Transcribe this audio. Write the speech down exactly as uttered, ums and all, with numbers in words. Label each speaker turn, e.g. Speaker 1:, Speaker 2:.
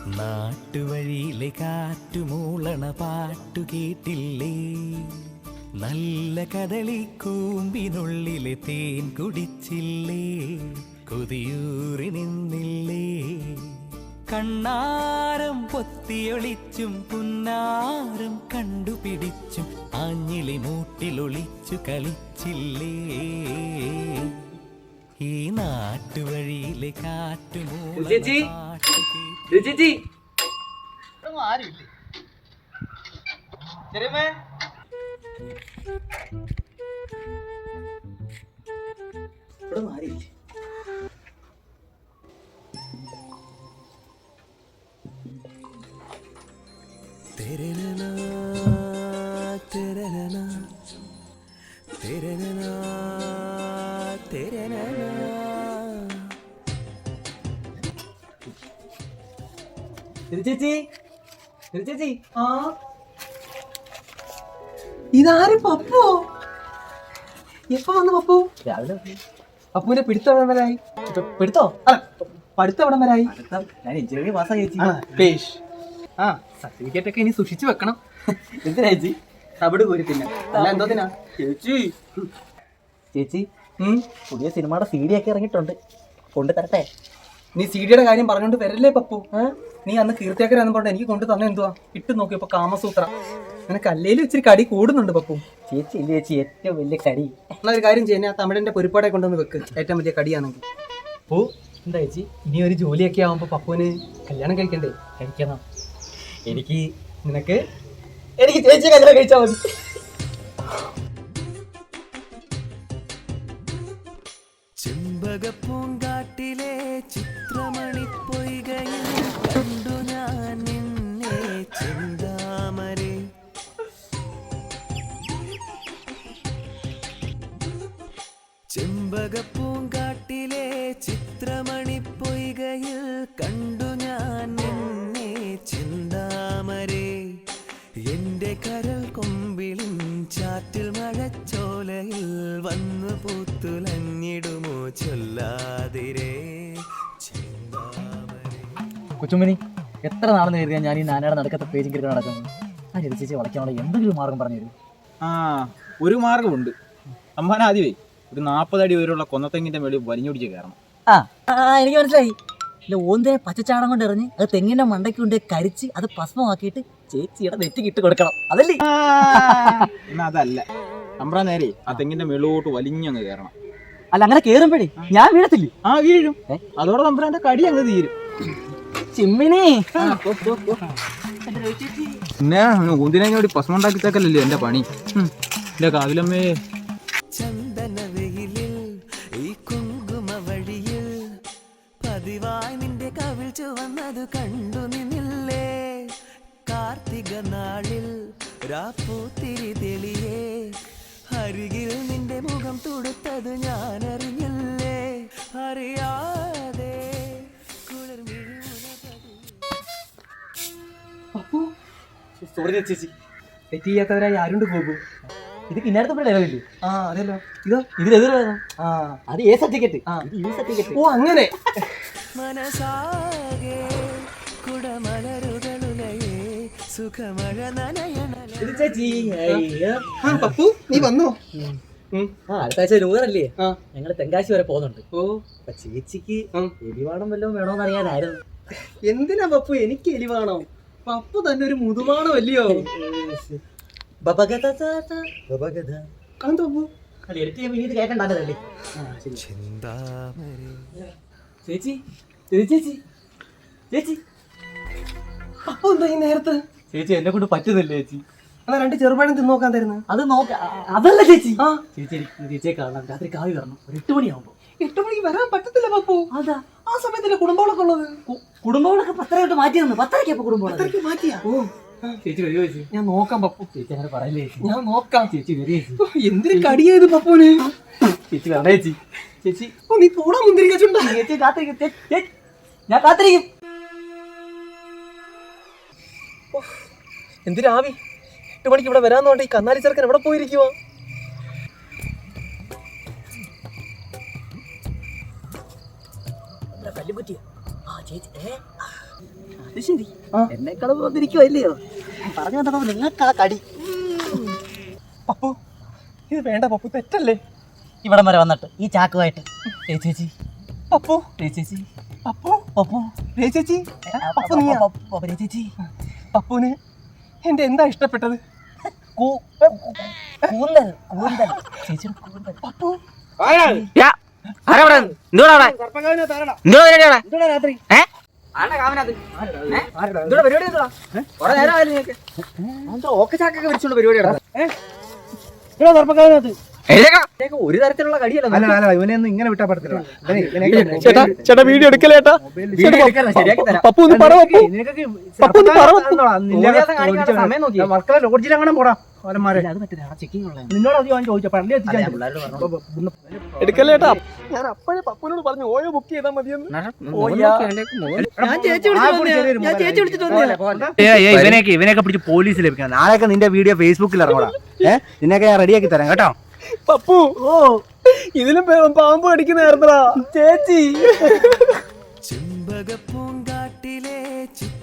Speaker 1: നാട്ടുവഴിയിലെ കാറ്റുമൂളണ പാട്ടു കേട്ടില്ലേ, നല്ല കദളി കൂമ്പിനുള്ളിലെ തേൻ കുടിച്ചില്ലേ, കൊതിയൂറി നിന്നില്ലേ, കണ്ണാരം പൊത്തിയൊളിച്ചും പുന്നാരം കണ്ടുപിടിച്ചും ആഞ്ഞിലി മൂട്ടിലൊളിച്ചു കളിച്ചില്ലേ, ഈ നാട്ടുവഴിയിലെ കാറ്റുമൂളണ പാട്ടു കേട്ടില്ലേ. തെരനനാ തെരനനാ തെരനനാ തെരനനാ.
Speaker 2: ചേച്ചി ചേച്ചി
Speaker 3: ആ ഇതാരും പപ്പോ? എപ്പോ വന്നു പപ്പു?
Speaker 2: രാവിലെ
Speaker 3: പപ്പുവിന്റെ പിടുത്തം എവിടം വരായി?
Speaker 2: പെടുത്തോ?
Speaker 3: അല്ല പഠിത്തം എവിടം വരായി?
Speaker 2: ഞാൻ എഞ്ചിനീയറിംഗ് പാസ്സായി ചേച്ചി.
Speaker 3: പേഷ് ആ സർട്ടിഫിക്കറ്റ് ഒക്കെ ഇനി സൂക്ഷിച്ചു വെക്കണം.
Speaker 2: എന്തിനാ ചേച്ചി?
Speaker 3: തവിട് കോരി തിന്നാൻ. അല്ല എന്തോത്തിനാ
Speaker 2: ചേച്ചി ചേച്ചി
Speaker 3: ഉം
Speaker 2: പുതിയ സിനിമയുടെ സി ഡി ഒക്കെ ഇറങ്ങിയിട്ടുണ്ട്, കൊണ്ടു തരട്ടെ?
Speaker 3: നീ സി ഡിയുടെ കാര്യം പറഞ്ഞോണ്ട് വരല്ലേ പപ്പു? നീ അന്ന് കീർത്തിയാക്കരാന്ന് പറഞ്ഞ എനിക്ക് കൊണ്ടു തന്നെ എന്തുവാ ഇട്ട് നോക്കിയപ്പോ കാമസൂത്ര. നിനക്ക് അല്ലേലും ഇച്ചിരി കടി കൂടുന്നുണ്ട് പപ്പു.
Speaker 2: ചേച്ചി ഇല്ല ചേച്ചി ഏറ്റവും വലിയ കടി.
Speaker 3: എന്നാ ഒരു കാര്യം ചെയ്യുന്ന തമിഴിന്റെ പൊരിപ്പാടെ കൊണ്ടുവന്ന് വെക്ക്, ഏറ്റവും വലിയ കടിയാണെങ്കിൽ.
Speaker 2: ഓ എന്താ ചേച്ചി?
Speaker 3: ഇനി ഒരു ജോലിയൊക്കെ ആവുമ്പോ പപ്പുവിന് കല്യാണം കഴിക്കണ്ടേ?
Speaker 2: കഴിക്കണം. എനിക്ക്
Speaker 3: നിനക്ക് എനിക്ക് ചേച്ചി കല്യാണം കഴിച്ചാൽ മതി.
Speaker 1: ചെമ്പകപ്പൂങ്കാട്ടിലെ ചിത്രമണിപ്പൊയ്കയിൽ കണ്ടു ഞാൻ നിന്നെ ചെന്താമരേ. ചെമ്പകപ്പൂങ്കാട്ടിലെ ചിത്രമണിപ്പൊയ്കയിൽ കണ്ടു ഞാൻ നിന്നെ ചെന്താമരേ. എന്റെ കരൾ കൊമ്പിളിൻ ചാറ്റിൽ മഴച്ചോലയിൽ വന്നു പൂത്തുലഞ്ഞിടുമോ ചൊല്ലാതിരേ ചെന്താമരേ.
Speaker 2: കൊച്ചുമ്മനി എത്ര നാളെന്ന് കരുതിയാൽ ഞാൻ ഈ നാനയുടെ നടക്കത്തെ പേജും കിടക്കാൻ നടക്കുന്നു. ആ ചേച്ചി വളയ്ക്കാനുള്ള എന്തെങ്കിലും മാർഗം പറഞ്ഞു തരും?
Speaker 4: ആ ഒരു മാർഗമുണ്ട്. അമ്മാൻ ആദ്യമേ ഒരു നാൽപ്പത് അടി വരെയുള്ള കൊന്നത്തെങ്ങിന്റെ മേളിൽ വലിഞ്ഞൊടിച്ച് കയറണം.
Speaker 2: ആ എനിക്ക് മനസ്സിലായി. ഇല്ല ഓന്തിനെ പച്ചച്ചാടം കൊണ്ട് എറിഞ്ഞ് അത് തെങ്ങിന്റെ മണ്ടയ്ക്ക് കൊണ്ട് കരിച്ച് അത് ഭസ്മമാക്കിയിട്ട് ചേച്ചിയുടെ നെറ്റിക്ക് ഇട്ട് കൊടുക്കണം, അതല്ലേ?
Speaker 4: എന്നാ അതല്ല, അമ്പ്ര നേരെ ആ തെങ്ങിന്റെ മേളിലോട്ട് വലിഞ്ഞങ്ങ് കയറണം.
Speaker 2: അല്ല അങ്ങനെ കേറുമ്പോഴേ ഞാൻ വീഴത്തില്ലേ?
Speaker 4: ആ വീഴും. അതോടെ തമ്പ്രാന്റെ കടി അങ്ങ് തീരും.
Speaker 2: ചിമ്മിനി
Speaker 4: പിന്നെ ഊന്തിനോടി ഭസ്മം ഉണ്ടാക്കിത്തേക്കല്ലേ എന്റെ പണി. എന്റെ കാവിലമ്മേ.
Speaker 1: ചന്ദനവെയിലിൽ ഈ കുങ്കുമ വഴിയിൽ പതിവായി നിന്റെ കവിൾ ചുവന്നത് കണ്ടു നിന്നില്ലേ. കാർത്തിക നാളിൽ രാപ്പൂത്തിരി തെളിയേ അരികിൽ നിന്റെ മുഖം തുടുത്തത് ഞാൻ അറിഞ്ഞില്ലേ. അറിയാതെ
Speaker 3: പപ്പു
Speaker 2: സോറി ചേച്ചി,
Speaker 3: തെറ്റ് ചെയ്യാത്തവരായി ആരുണ്ട് ഗോപു?
Speaker 2: ഇത് കിന്നാരത്തെ ഡയലോഗില്ലേ?
Speaker 3: ആ അതല്ലോ. ഇതോ
Speaker 2: ഇതിലെതിരാണോ?
Speaker 3: ആ
Speaker 2: അത് ഏ സർട്ടിഫിക്കറ്റ്.
Speaker 3: ആ
Speaker 2: ഈ സർട്ടിഫിക്കറ്റ്.
Speaker 3: ഓ അങ്ങനെ.
Speaker 1: മനസാകെ കുടമലരുകളുലയേ സുഖമഴ നനയണ.
Speaker 2: ഇത് ചേച്ചി
Speaker 3: ആ പപ്പു നീ വന്നോ?
Speaker 2: ആ അടുത്ത ആഴ്ച നൂറല്ലേ?
Speaker 3: ആ
Speaker 2: ഞങ്ങള് തെങ്കാശി വരെ പോകുന്നുണ്ട്.
Speaker 3: ഓ
Speaker 2: അപ്പൊ ചേച്ചിക്ക്
Speaker 3: ഉം.
Speaker 2: എലിവാണം വല്ലതും വേണോന്ന് അറിയാനായിരുന്നു.
Speaker 3: എന്തിനാ പപ്പു എനിക്ക് എലിവാണോ? പപ്പു തന്നെ ഒരു മുതുമാണോ അല്ലയോ? കണ്ടോ
Speaker 2: കേട്ടണ്ടല്ലേ?
Speaker 1: ചെന്താമരേ.
Speaker 2: ചേച്ചി ചേച്ചി ചേച്ചി
Speaker 3: പപ്പു എന്താ ഈ നേരത്ത്?
Speaker 2: ചേച്ചി എന്നെ കൊണ്ട് പറ്റുന്നില്ല ചേച്ചി.
Speaker 3: എന്നാ രണ്ട് ചെറുപഴം തിന്നോക്കാൻ തരുന്നു.
Speaker 2: അത് നോക്ക അതല്ല ചേച്ചി.
Speaker 3: ആ
Speaker 2: ചേച്ചി എനിക്ക് ചേച്ചിയെ കാണാം, രാത്രി കാവി വരണം ഒരു എട്ട് മണിയാവുമ്പോ.
Speaker 3: എട്ട് മണിക്ക് വരാൻ പറ്റത്തില്ല പപ്പു.
Speaker 2: അതാ
Speaker 3: ആ സമയത്തല്ലേ കുടുംബങ്ങളൊക്കെ ഉള്ളത്.
Speaker 2: കുടുംബങ്ങളൊക്കെ പത്തരയോട്ട് മാറ്റി തന്നു. പത്തരയ്ക്കപ്പൊ കുടുംബം
Speaker 3: അത്രയ്ക്ക് മാറ്റിയാ?
Speaker 2: ഓ ചേച്ചി വരുമോ ചേച്ചി?
Speaker 3: ഞാൻ നോക്കാം പപ്പു.
Speaker 2: ചേച്ചി അങ്ങനെ പറയല്ലേ ചേച്ചി.
Speaker 3: ഞാൻ നോക്കാം.
Speaker 2: ചേച്ചി വരും ചേച്ചി.
Speaker 3: ഓ, എന്തൊരു കടിയായത് പപ്പുവിന്.
Speaker 2: ചേച്ചി വരണേ ചേച്ചി. ചേച്ചി
Speaker 3: ഓ നീ പോടാ മുന്തിരിക്കുണ്ടാ.
Speaker 2: ചേച്ചി കാത്തിരിക്കും. ചേ- ചേ- ഞാൻ കാത്തിരിക്കും.
Speaker 3: എന്തിനാവി എട്ട് മണിക്ക് ഇവിടെ വരാന്നോണ്ട് ഈ കന്നാലി ചെറുക്കൻ എവിടെ പോയിരിക്കുവോ?
Speaker 2: കല്ലുപറ്റിയ ആ ചേച്ചി ഏ അത് ശരി എന്നെക്കാളും വന്നിരിക്കുവല്ലയോ പറഞ്ഞു വന്നപ്പോ നിങ്ങൾക്ക് ആ കടി
Speaker 3: പപ്പു ഇത് വേണ്ട പപ്പു, തെറ്റല്ലേ?
Speaker 2: ഇവിടം വരെ വന്നിട്ട് ഈ ചാക്കുമായിട്ട് ഏ ചേച്ചി
Speaker 3: പപ്പു
Speaker 2: ഏ ചേച്ചി
Speaker 3: പപ്പു
Speaker 2: പപ്പു
Speaker 3: രേ ചേച്ചി പപ്പു നീ
Speaker 2: പപ്പു ഏ ചേച്ചി
Speaker 3: പപ്പുവിന് എന്റെ എന്താ ഇഷ്ടപ്പെട്ടത്?
Speaker 2: കൂ- കൂന്തൽ കൂന്തൽ ചേച്ചിയുടെ കൂന്തൽ
Speaker 3: പപ്പു
Speaker 2: രാത്രി ഓക്കെ ചാക്കൊക്കെ വിളിച്ചോണ്ട് പരിപാടി ഒരു തരത്തിലുള്ള കടിയല്ല
Speaker 5: ഇവനെയൊന്നും ഇങ്ങനെ വിട്ടാ പറ്റത്തില്ല.
Speaker 3: ചേട്ടാ ചേട്ടാ വീഡിയോ എടുക്കലേട്ടാ. പപ്പു ഒന്ന് പറ പപ്പു. പപ്പു ഒന്ന് പറ പപ്പു.
Speaker 5: മക്കളെ ലോഡ്ജിൽ അങ്ങനെ പോടാ അവന്മാരെ.
Speaker 2: അത് പറ്റില്ല ചെക്കിംഗ് ഉള്ള
Speaker 5: നിന്നോട് അത് ഞാൻ ചോദിച്ചു പള്ളി എത്തിച്ചാൽ
Speaker 3: എടുക്കലേട്ടാ. ഞാൻ അപ്പോഴേ പപ്പുവിനോട് പറഞ്ഞു ഓയോ ബുക്ക് ചെയ്താൽ മതിയെന്ന്.
Speaker 5: ഇവനെയൊക്കെ ഇവനെയൊക്കെ പിടിച്ച് പോലീസിൽ ലഭിക്കണം. നാളെയൊക്കെ നിന്റെ വീഡിയോ ഫേസ്ബുക്കിൽ ഇറങ്ങടാ. ഏഹ് നിന്നൊക്കെ ഞാൻ റെഡിയാക്കി തരാം കേട്ടോ.
Speaker 3: പപ്പു ഓ ഇതിലും പാമ്പ് അടിക്കുന്ന ചേച്ചി.
Speaker 1: ചെമ്പക പൂങ്കാട്ടിലെ ചിത്ര